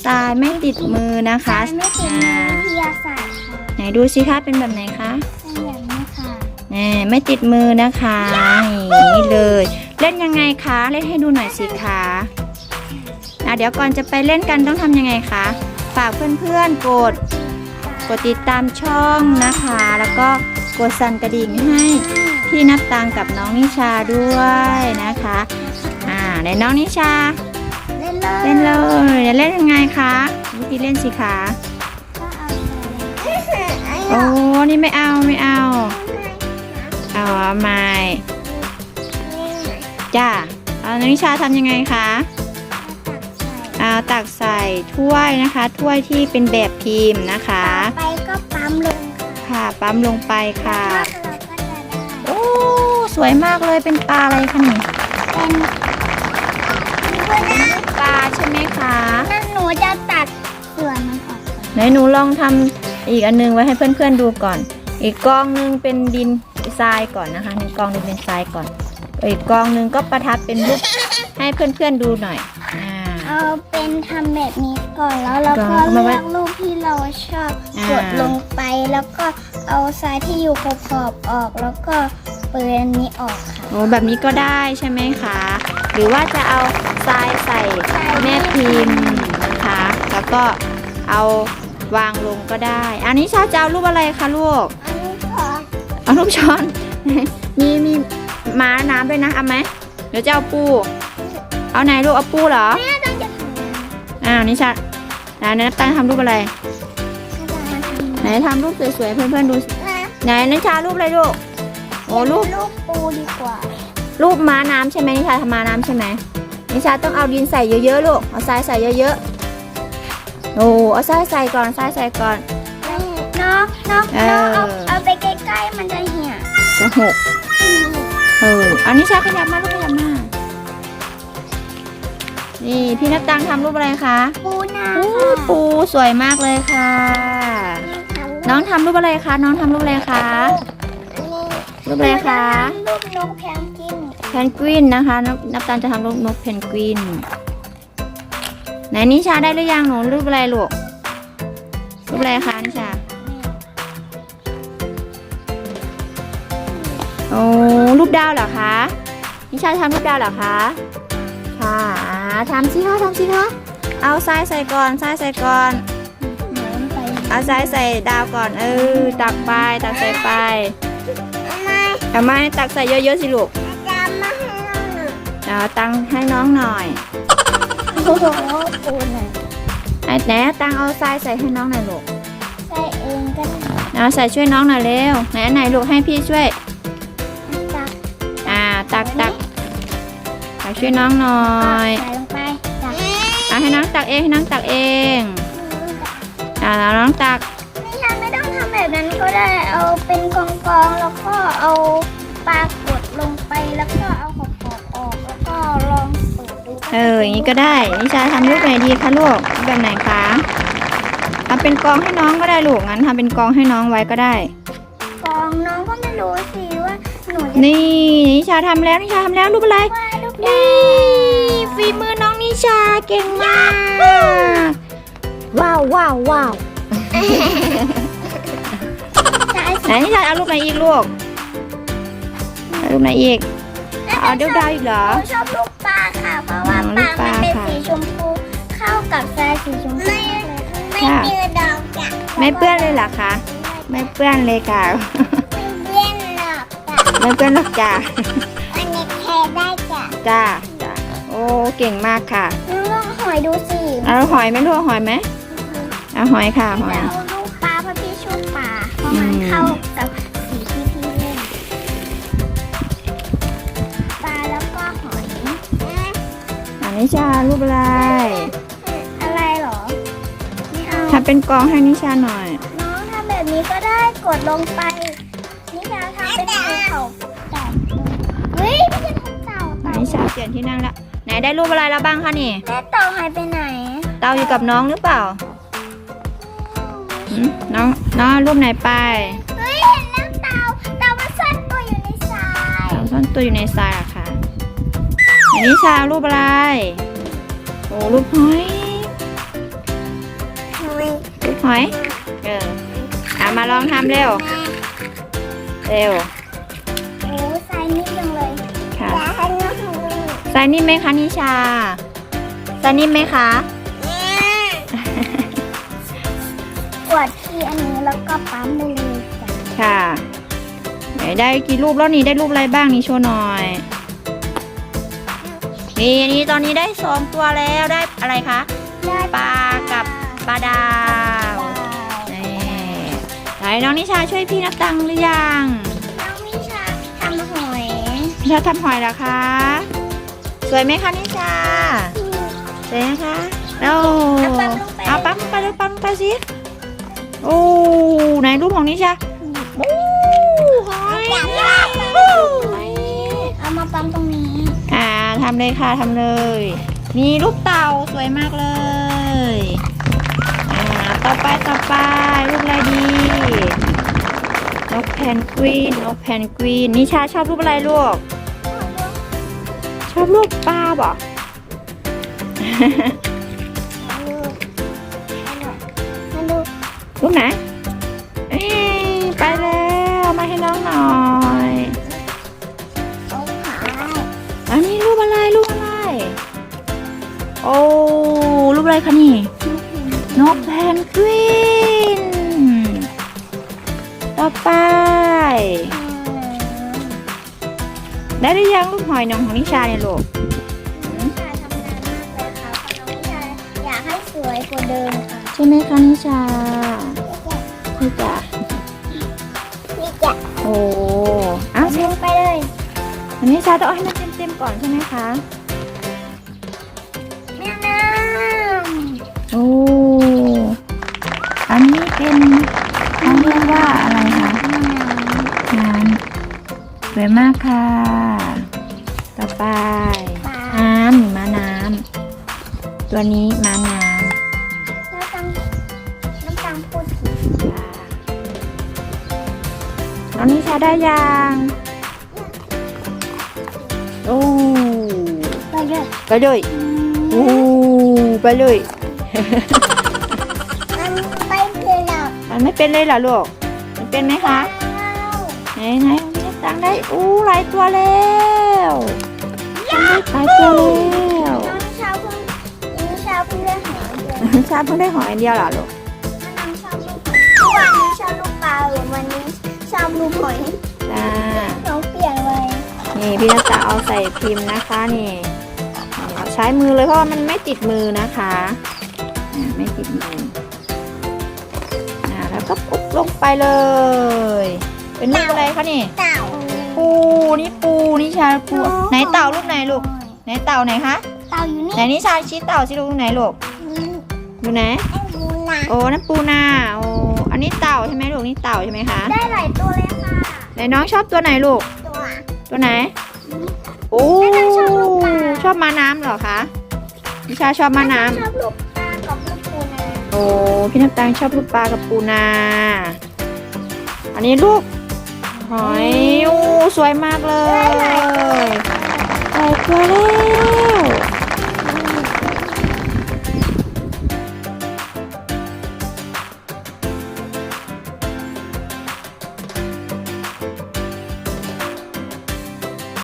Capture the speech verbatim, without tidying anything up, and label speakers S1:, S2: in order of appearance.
S1: ทรายไม่ติดมือนะคะ
S2: ไม่ติดมือวิทยาศาสตร์ค่ะ
S1: ไหนดูสิคะเป็นแบบไหนคะ
S2: เป็นแบบนี้ค่ะ
S1: นี่ไม่ติดมือนะคะนี่เลยเล่นยังไงคะเล่นให้ดูหน่อยสิคะอ่ะเดี๋ยวก่อนจะไปเล่นกันต้องทำยังไงคะฝากเพื่อนๆกดกดติดตามช่องนะคะแล้วก็กดสั่นกระดิ่งให้พี่นับตังกับน้องนิชาด้วยนะคะอ่าในน้องนิชา
S2: เล่นเลย
S1: เล่นเลยจะเล่นยังไงคะวิธีเล่นสิคะโอ้นี่ไม่เอาไม่เอาเอาไม่จ้าเอาน้องนิชาทำยังไงคะเอาตักใส่ถ้วยนะคะถ้วยที่เป็นแบบพิมพ์นะคะ
S2: ไปก็ปั๊มลง
S1: ค่ะปั๊มลงไปค่ะโอ้สวยมากเลยเป็นปลาอะไรคะนี่
S2: เป็น
S1: ปลาใช่ไหมคะ
S2: นั่นหนูจะตัดส่วนมันออก
S1: ไหนหนูลองทำอีกอันนึงไว้ให้เพื่อนๆดูก่อนอีกกองนึงเป็นดินทรายก่อนนะคะหนึ่งกองนึงเป็นทรายก่อนอีกกองนึงก็ประทับเป็นรูปให้เพื่อนๆดูหน่อย
S2: เอาเป็นทำแบบนี้ก่อนแล้วเราก็เลือกรูปที่เราชอบกดลงไปแล้วก็เอาทรายที่อยู่ขอบๆออกแล้วก็เปิดอันนี้ออกค่ะ
S1: โอ้แบบนี้ก็ได้ใช่ไหมคะหรือว่าจะเอาทรายใส่แม่พิมพ์นะคะแล้วก็เอาวางลงก็ได้อันนี้ชาจะเอารูปอะไรคะลูก
S2: อันนี้ช้อน
S1: เอารูปช้อนมีมีม้าน้ำด้วยนะเอาไหมเดี๋ยวจะเอาปูเอาไหนลูกเอาปูเหรอ
S2: แม่ต้องจะท
S1: ำอ่านิชาไหนนับตั้งทำรูปอะไรไหนทำรูปสวยๆเพื่อนๆดูไหนนิชารูปอะไรลูกโอ้รูป
S2: รูปปูดีกว่า
S1: รูปม้าน้ำใช่ไหมนิชาทำม้าน้ำใช่ไหมนิชาต้องเอาดินใส่เยอะๆลูกเอาทรายใส่เยอะๆโอ้เอาทรายใส่ก่อนทรายใส่ก่อน
S2: น้องน้องน้องเอาเอาไปใกล้ๆมันจะเหี่ย
S1: จะหกเออเอานิชาขยับมาลูกขยับมานี่พี่นับตังทำรูปอะไรคะ
S2: ปูนา
S1: ปูสวยมากเลยค่ะน้องทำรูปอะไรคะน้องทำรูปอะไรคะรูปอะไรคะ
S2: รูปนกแพนกวิน
S1: แพนกวินนะคะนับตังจะทำรูปนกแพนกวินไหนนิชาได้หรือยังหนูรูปอะไรลูกรูปอะไรคะนิชาโอ้รูปดาวเหรอคะนิชาทำรูปดาวเหรอคะค่ะทำสิคะทำสิคะเอาทรายใส่ก่อนทรายใส่ก่อนเอาทรายใส่ดาวก่อนเออตักไปตักใส่ไปทำไมตักใส่เยอะๆสิลูกเอาตังให้น้องหน่อย
S2: โอ้โหปูหน่อย
S1: ไอ้แหนตังเอาทรายใส่ให้น้องหน่อยลูก
S2: ใส่เองก็ได้
S1: เอาใส่ช่วยน้องหน่อยเร็วไหนไหนลูกให้พี่ช่วย
S2: ตัก
S1: อ่าตักตักตักช่วยน้องหน่อย
S2: ใส่ลงไปตัก
S1: อ่าให้น้องตักเองให้น้องตักเองอ่าแล้วน้องตัก
S2: นี่ฉันไม่ต้องทำแบบนั้นก็ได้เอาเป็นกองๆแล้วก็เอาปลากดลงไปแล้วก็เอาขอบๆออกแล้วก็ลองเปิดดู
S1: เอออย่างนี้ก็ได้นิชาทำรูปไหนดีคะลูกแบบไหนคะทำเป็นกองให้น้องก็ได้ลูกงั้นทำเป็นกองให้น้องไว้ก็ได้
S2: กองน้องก็ไม่รู้สิว่าหนู
S1: นี่นิชาทำแล้วนิชาทำแล้วรูปอะไรนี่ฝีมือน้องนิชาเก่งมากว้าวว้าวว้าวไหนนิชาเอารูปไหนอีกลูกเอารูปไหนอีกเอาเดาดาวอีกเหรอ
S2: ชอบลูกปลาค่ะเพราะว่าปลามันเป็นสีชมพูเข้ากับทรายสีชมพูไม่เปื้อนดอกจ้ะ
S1: ไม่เปื้อนเลยเหรอคะไม่เปื้อนเลยค่ะ
S2: ไม่เปื้อนหรอกจ้ะ
S1: ไม่เปื้อนหรอกจ้ะ
S2: อันนี้แค่ได้จ้ะ
S1: จ้าจ้าโอ้เก่งมากค่ะ
S2: ลองหอยดูสิ
S1: เอาหอยไหมลูกหอยไหมเอาหอยค่ะหอย
S2: เอาลูกปลาเพราะพี่ชอบปลาเพราะมันเข้ากับสีที่พี่เล่นปลาแล้วก็หอย
S1: อันนี้ชารูปอะไร
S2: อะไรหรอ
S1: ทำเป็นกองให้นิชาหน่อย
S2: น้องทำแบบนี้ก็ได้กดลงไปนิชาทำเป็นภูเขาแต่เฮ้ยไม่ใช่ภูเขา
S1: นิชาเปลี่ยนที่นั่งละไหนได้รูปอะไรแล้วบ้างคะนี่
S2: แม่เต่าหายไปไหน
S1: เต่าอยู่กับน้องหรือเปล่าน้องน้องรูปไหนไป
S2: เฮ้ยเห็นแล้วเต่าเต่ามันซ่อนตัวอยู่ในทราย
S1: เต่าซ่อนตัวอยู่ในทรายอะค่ะอันนี้ชารูปอะไรโอ้รูปหอยหอยเออเอามาลองทำเร็วเร็ว
S2: โอ้ทรายนิ่มจังเลย
S1: ค่ะ
S2: อยากให้น้องทำเลย
S1: ทรายนิ่มไหมคะนิชาทรายนิ่มไหมคะ
S2: กดที่อันนี้แล้วก็ปั๊มไปเลยจ้ะ
S1: ค่ะไหนได้กี่รูปแล้วนี่ได้รูปอะไรบ้างนี่โชว์หน่อยนี่นี่ตอนนี้ได้สองตัวแล้วได้อะไรคะ
S2: ได้
S1: ปลากับปลาดาวนี่ไหนน้องนิชาช่วยพี่นับตังค์หรือยัง
S2: น้องมิชาทำหอย
S1: นิชาทำหอยเหรอคะสวยไหมคะนิชาสวยนะคะแล้วเอาปั๊มลงไปเลยปั๊มลงไปสิโอ้ไหนรูปของนิชาโอ้หอย
S2: เอามาปั๊มตรงนี้
S1: อ่าทำเลยค่ะทำเลยมีรูปเต่าสวยมากเลย อ่า ต่อไปต่อไปรูปอะไรดี นกแพนกวิน นกแพนกวิน นิชาชอบรูปอะไรลูก ชอบรูปปลาบ่
S2: มาดู
S1: รูปไหนเอ้ยไปแล้วมาให้น้องหน่อย
S2: โอ้ขา
S1: อันนี้รูปอะไรรูปอะไร โอ้รูปอะไรคะนี่ นกแพนกวิน ต่อไป ได้หรือยังลูกหอยนองของนิชาเนี่ยลูก
S2: นิชาทำงานมากเลยค่ะเพราะน้องนิชาอยากให้สวยกว่าเดิมค่ะ
S1: ใช่ไหมคะนิชานี่จ้ะ
S2: นี่จะ
S1: โอ้อ้าว
S2: ลงไปเลย
S1: อันนี้ชาต้องเอาให้มันเต็มๆก่อนใช่ไหมคะ
S2: แม่น้
S1: โอ้อันนี้เป็นเขาเรียกว่าอะไรคะน้ำสวยมากค่ะ ต่อไปน้ำหนูม้าน้ำตัวนี้ม้าน้ำ
S2: ำน้ำตังน้ำตังพูดผิด
S1: น้องนิชาได้ยังโอ้
S2: ไปเลย
S1: ไปเลยโอ้ไปเลย
S2: มันไปเลยหรอก
S1: มันไม่เป็นเลยเหรอลูกมันเป็นไหมคะไหนไหนนี่ตังได้อู้หลายตัวแล้วทำได้หลายตัวแล้ว
S2: น้องชาวเพิ่งน้องชาวเพิ่งได้หอยเดียว
S1: ชาเพิ่งได้หอยอันเดียวเหรอลูก
S2: น้องชอบลูกหอยวันนี้ชอบลูกปลาหรือวันนี้ชอบลูกหอย
S1: จ้า
S2: น้องเปลี่ยนเลย
S1: นี่พี่นัทจะเอาใส่พิมพ์นะคะนี่เอาใช้มือเลยเพราะว่ามันไม่ติดมือนะคะอ่าไม่ติดมืออ่าแล้วก็ปุ๊บลงไปเลย เป็นรูปอะไรคะนี่
S2: เต่า
S1: ปูนี่ปูนี่ชาปูไหนเต่าลูกไหนลูกไหนเต่าไหนคะ
S2: เต่าอยู่นี่
S1: ไหนนี่ชาชี้เต่าสิลูกไหนลูกดูไหน
S2: ไอ้บูนะ
S1: โอ้นั่นปูนาโอ้อันนี้เต่าใช่ไหมลูกนี่เต่าใช่ไหมคะ
S2: ได้หลายตัวเลยค่ะ
S1: ไหนน้องชอบตัวไหนลูก
S2: ตัว
S1: ตัวไหนโอ้
S2: ไม่ต้องชอบลูกปลา
S1: ชอบมาน้ำเหรอคะนิชาชอบมาน้ำ
S2: ชอบลูกปลากับลูกปูนา
S1: โอ้พี่น้ำตาลชอบลูกปลากับปูนา อันนี้ลูกหอยโอ้สวยมากเลยใส่ตัวแล้ว